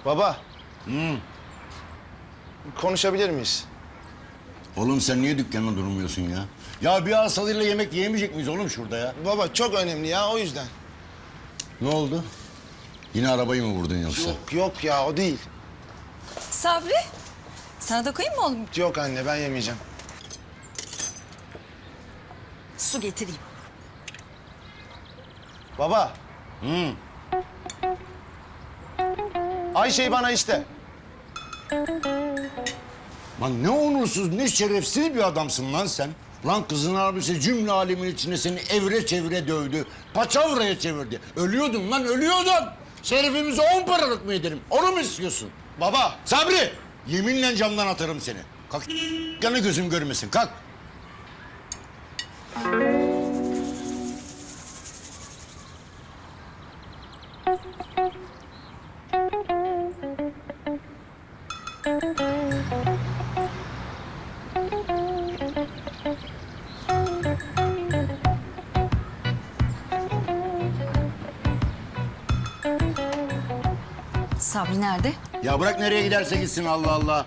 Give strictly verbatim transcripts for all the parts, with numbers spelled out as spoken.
Baba, Hı. konuşabilir miyiz? Oğlum sen niye dükkanda durmuyorsun ya? Ya bir asalıyla yemek yiyemeyecek miyiz oğlum şurada ya? Baba çok önemli ya, o yüzden. Ne oldu? Yine arabayı mı vurdun yoksa? Yok yok ya, o değil. Sabri, sana da koyayım mı oğlum? Yok anne, ben yemeyeceğim. Su getireyim. Baba, Hı. Ayşe'yi bana iste. Lan ne onursuz, ne şerefsiz bir adamsın lan sen. Lan kızın abisi cümle alemin içinde seni evre çevire dövdü. Paçavraya çevirdi. Ölüyordun lan, ölüyordun. Şerefimizi on paralık mı edelim? Onu mu istiyorsun? Baba, Sabri! Yeminle camdan atarım seni. Kalk, yanı gözüm görmesin, kalk. Sabri nerede? Ya bırak nereye giderse gitsin, Allah Allah.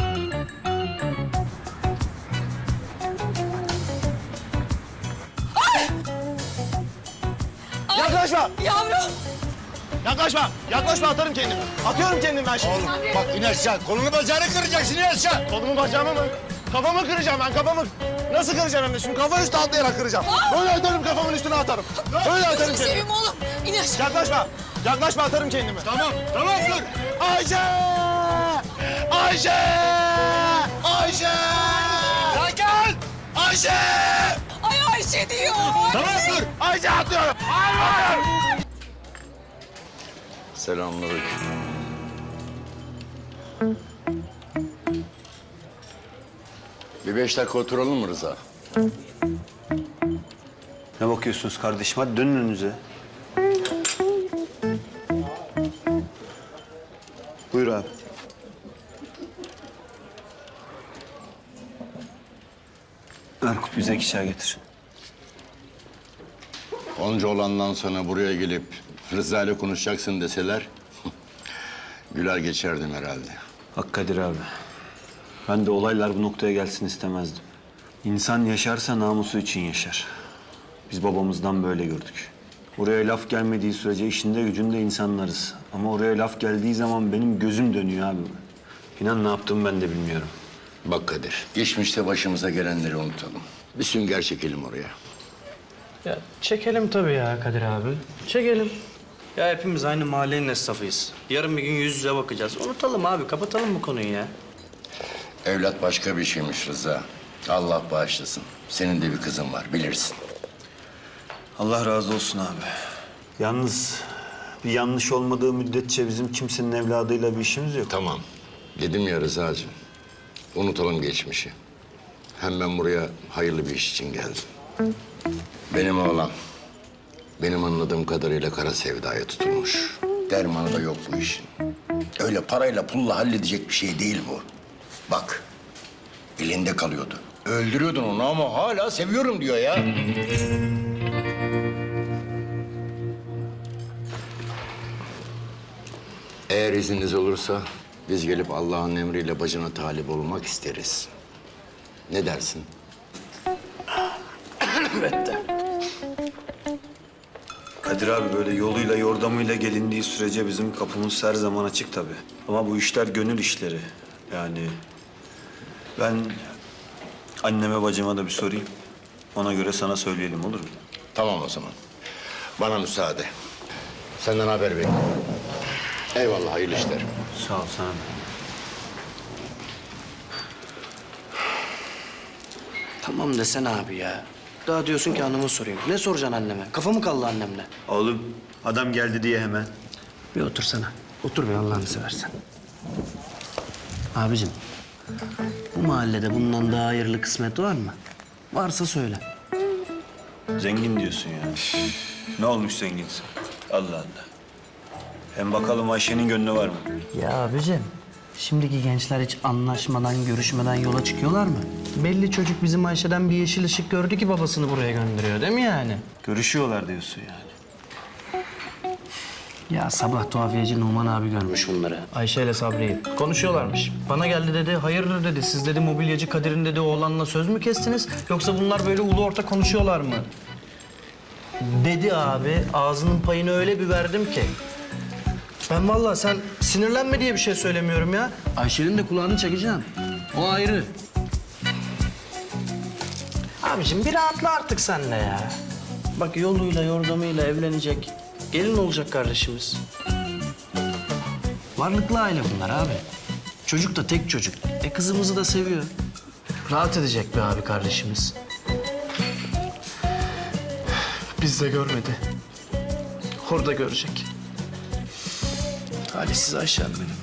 yaklaşma! Yavrum! Yaklaşma! Yaklaşma, atarım kendimi. Atıyorum kendimi ben şimdi. Oğlum bak in aşağı, kolunu bacağını kıracaksın, in aşağı. Kolumu bacağımı mı? Kafamı kıracağım ben, kafamı. Nasıl kıracağım hem de? Şimdi kafa üstü atlayarak kıracağım. Böyle atarım, kafamın üstüne atarım. Böyle atarım Gözünü kendimi. seveyim oğlum. İn aşağı. Yaklaşma! Yaklaşma, atarım kendimi. Tamam, tamam dur. Ayşe! Ayşe! Ayşe! Sakin! Ayşe! Ay Ayşe diyor. Tamam dur. Ayşe atıyorum! Hayır! Selamünaleyküm. Bir beş dakika oturalım mı Rıza? Ne bakıyorsunuz kardeşim? Hadi dönün önünüze. Buyur abi. Erkut bize iki çay getir. Onca olandan sonra buraya gelip Rıza ile konuşacaksın deseler... güler geçerdim herhalde. Hak Kadir abi. Ben de olaylar bu noktaya gelsin istemezdim. İnsan yaşarsa namusu için yaşar. Biz babamızdan böyle gördük. Oraya laf gelmediği sürece işinde gücünde insanlarız. Ama oraya laf geldiği zaman benim gözüm dönüyor abi. İnan ne yaptığımı ben de bilmiyorum. Bak Kadir, geçmişte başımıza gelenleri unutalım. Bir sünger çekelim oraya. Ya çekelim tabii ya Kadir abi. Çekelim. Ya hepimiz aynı mahallenin esnafıyız. Yarın bir gün yüz yüze bakacağız. Unutalım abi, kapatalım bu konuyu ya. Evlat başka bir şeymiş Rıza. Allah bağışlasın. Senin de bir kızın var, bilirsin. Allah razı olsun abi. Yalnız bir yanlış olmadığı müddetçe bizim kimsenin evladıyla bir işimiz yok. Tamam. Dedim ya Rıza'cığım. Unutalım geçmişi. Hem ben buraya hayırlı bir iş için geldim. Benim oğlan, benim anladığım kadarıyla kara sevdaya tutulmuş. Dermanı da yok bu işin. Öyle parayla pulla halledecek bir şey değil bu. Bak, elinde kalıyordu. Öldürüyordun onu ama hala seviyorum diyor ya. Eğer izniniz olursa biz gelip Allah'ın emriyle bacına talip olmak isteriz. Ne dersin? Kadir abi böyle yoluyla yordamıyla gelindiği sürece bizim kapımız her zaman açık tabii. Ama bu işler gönül işleri. Yani ben anneme bacıma da bir sorayım. Ona göre sana söyleyelim olur mu? Tamam o zaman. Bana müsaade. Senden haber bekliyorum. Eyvallah, hayırlı işler. Sağ ol sana. Tamam desene abi ya. Daha diyorsun ki anamı sorayım. Ne soracaksın anneme? Kafamı kaldı annemle. Oğlum adam geldi diye hemen. Bir otursana. Otur be Allah'ını seversen. Abicim, bu mahallede bundan daha hayırlı kısmet var mı? Varsa söyle. Zengin diyorsun yani. Ne olmuş zenginsin? Allah Allah. Hem bakalım Ayşe'nin gönlü var mı? Ya abicim, şimdiki gençler hiç anlaşmadan, görüşmeden yola çıkıyorlar mı? Belli çocuk bizim Ayşe'den bir yeşil ışık gördü ki babasını buraya gönderiyor değil mi yani? Görüşüyorlar diyorsun yani. Ya sabah tuhafiyeci Numan abi görmüş bunları. Ayşe ile Sabri'yi. Konuşuyorlarmış. Bana geldi dedi, hayırdır dedi. Siz dedi mobilyacı Kadir'in dedi oğlanla söz mü kestiniz? Yoksa bunlar böyle ulu orta konuşuyorlar mı? Dedi abi, ağzının payını öyle bir verdim ki. Ben vallahi sen sinirlenme diye bir şey söylemiyorum ya. Ayşe'nin de kulağını çekeceğim. O ayrı. Abiciğim bir rahatla artık sen de ya. Bak yoluyla yordamıyla evlenecek. Gelin olacak kardeşimiz. Varlıklı aile bunlar abi. Çocuk da tek çocuk. E kızımızı da seviyor. Rahat edecek be abi kardeşimiz. Biz de görmedi. Orada görecek. Talihsiz Ayşem benim.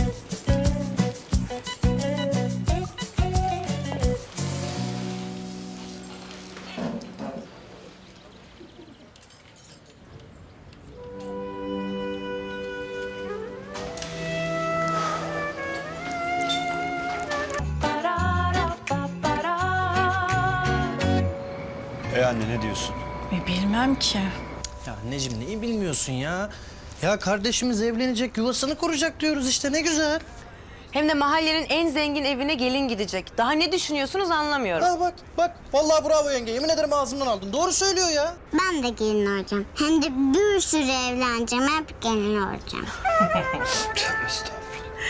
E anne ne diyorsun? E, bilmem ki. Ya anneciğim neyi bilmiyorsun ya? Ya kardeşimiz evlenecek, yuvasını kuracak diyoruz işte ne güzel. Hem de mahallenin en zengin evine gelin gidecek. Daha ne düşünüyorsunuz anlamıyorum. Ha bak bak vallahi bravo yenge. Yemin ederim ağzımdan aldın. Doğru söylüyor ya. Ben de gelin olacağım. Hem de bir sürü evleneceğim. Hep gelin olacağım. Tövbe estağfurullah.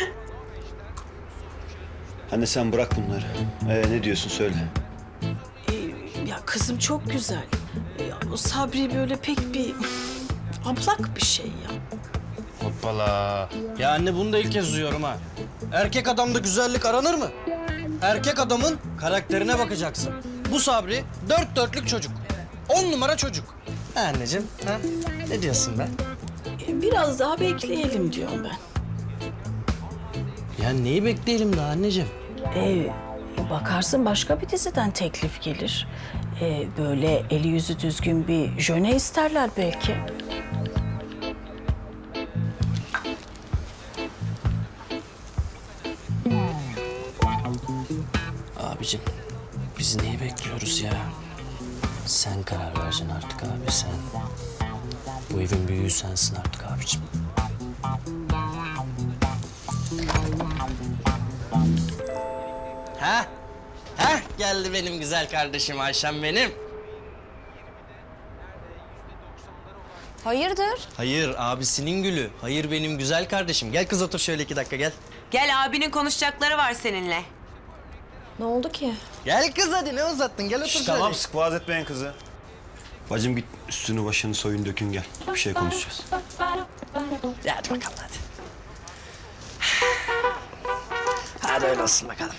Anne sen bırak bunları. Ee, ne diyorsun söyle. Ya kızım çok güzel. Ya, o Sabri böyle pek bir ablak bir şey ya. Hoppala. Ya anne bunu da ilk kez duyuyorum ha. Erkek adamda güzellik aranır mı? Erkek adamın karakterine bakacaksın. Bu Sabri dört dörtlük çocuk. On numara çocuk. Ha anneciğim, ha? Ne diyorsun be? E, Biraz daha bekleyelim diyorum ben. Ya neyi bekleyelim daha anneciğim? E, bakarsın başka bir diziden teklif gelir. E, böyle eli yüzü düzgün bir jöne isterler belki. Abicim, biz neyi bekliyoruz ya? Sen karar vereceksin artık abi, sen. Bu evin büyüğü sensin artık abicim. Ha? Ha? Geldi benim güzel kardeşim Ayşem benim. Hayırdır? Hayır, abisinin gülü. Hayır benim güzel kardeşim. Gel kız otur şöyle iki dakika gel. Gel abinin konuşacakları var seninle. Ne oldu ki? Gel kız hadi ne uzattın? Gel otur şöyle. Tamam sık boğaz etmeyin kızı. Bacım git üstünü başını soyun dökün gel. Bir şey konuşacağız. Hadi bakalım hadi. Hadi öyle olsun bakalım.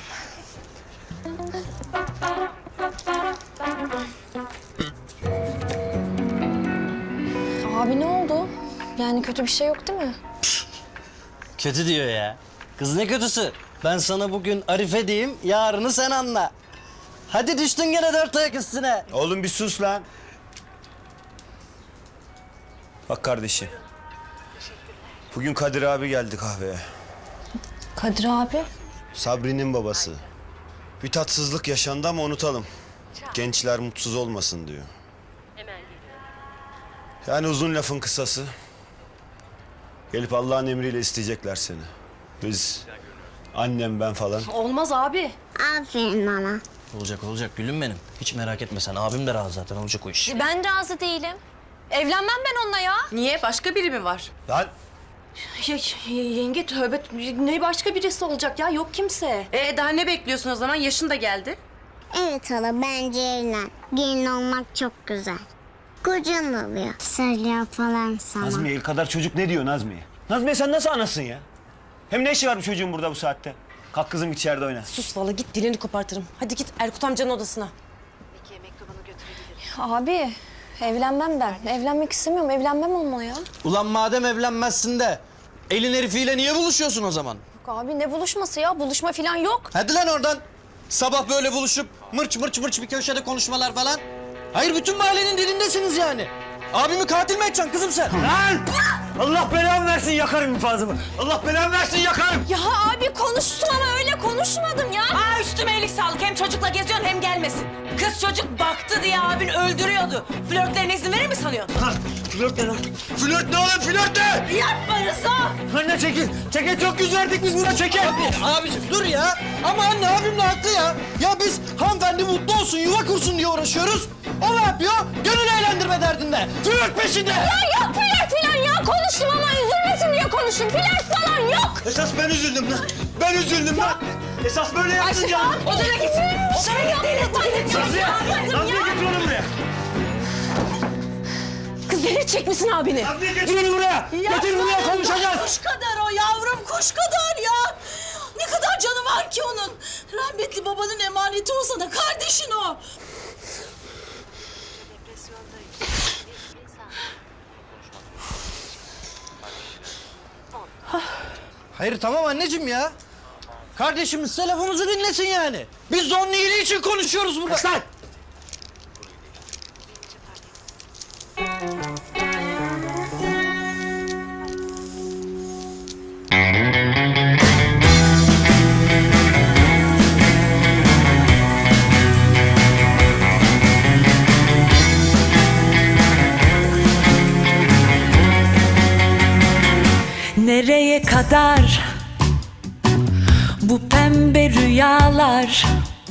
Abi ne oldu? Yani kötü bir şey yok değil mi? Kötü diyor ya. Kız ne kötüsü? Ben sana bugün Arife diyeyim, yarını sen anla. Hadi düştün gene dört ayak üstüne. Oğlum bir sus lan. Bak kardeşim. Bugün Kadir abi geldi kahveye. Kadir abi. Sabri'nin babası. Bir tatsızlık yaşandı ama unutalım. Gençler mutsuz olmasın diyor. Yani uzun lafın kısası. Gelip Allah'ın emriyle isteyecekler seni. Biz, annem ben falan. Olmaz abi. Aferin bana. Olacak olacak gülüm benim. Hiç merak etme sen. Abim de razı zaten olacak o iş. Ben razı değilim. Evlenmem ben onunla ya. Niye? Başka biri mi var? Lan Ya, yenge tövbe ne başka birisi olacak ya yok kimse. Ee, daha ne bekliyorsun o zaman? Yaşın da geldi. Evet hala bence evlen. Gelin olmak çok güzel. Kocan oluyor. Söylüyor falan sana. Nazmiye el kadar çocuk ne diyor Nazmiye? Nazmiye sen nasıl anasın ya? Hem ne işi var bu çocuğun burada bu saatte? Kalk kızım içeride oyna. Sus vallahi git dilini kopartırım. Hadi git Erkut amcanın odasına. Abi evlenmem ben. Evlenmek istemiyorum. Evlenmem onunla ya. Ulan madem evlenmezsin de elin herifiyle niye buluşuyorsun o zaman? Yok abi ne buluşması ya? Buluşma falan yok. Hadi lan oradan. Sabah böyle buluşup mırç mırç mırç bir köşede konuşmalar falan. Hayır bütün mahallenin dilindesiniz yani. Abimi katil mi edeceksin kızım sen? Lan! Allah belamı versin yakarım infazımı. Allah belamı versin yakarım. Ya abi konuştun ama öyle konuşmadım ya. Aa üstüme iyilik sağlık. Hem çocukla geziyorsun hem gelmesin. Kız çocuk baktı diye abin öldürüyordu. Flörtlerine izin verir mi sanıyorsun? Lan, Flört ne lan? Flört ne oğlum flört ne? Yapma Rıza! Anne çekil. Çekil çok yüz verdik biz buna çekil. Abi, abiciğim dur ya. Ama anne abim de haklı ya. Ya biz hanımefendi mutlu olsun, yuva kursun diye uğraşıyoruz. O ne yapıyor? Gönül eğlendirme derdinde. Flört peşinde. Ya yok flört falan ya. Konuştum ama üzülmesin diye konuştum. Flört falan yok. Esas ben üzüldüm lan. Ben üzüldüm lan. Esas böyle yaptın ya. Odana git. Odana git. Nazlı'ya. Nazlı'ya getir onu buraya. Kız delirtecek misin abini? Nazlı'ya getir onu buraya. Getir buraya konuşacağız. Kuş kadar o yavrum, kuş kadar ya. Ne kadar canı var ki onun. Rahmetli babanın emaneti o sana, kardeşin o. Hayır tamam anneciğim ya. Kardeşimiz telefonumuzu dinlesin yani. Biz de onun iyiliği için konuşuyoruz burada. Lan! Nereye kadar bu pembe rüyalar?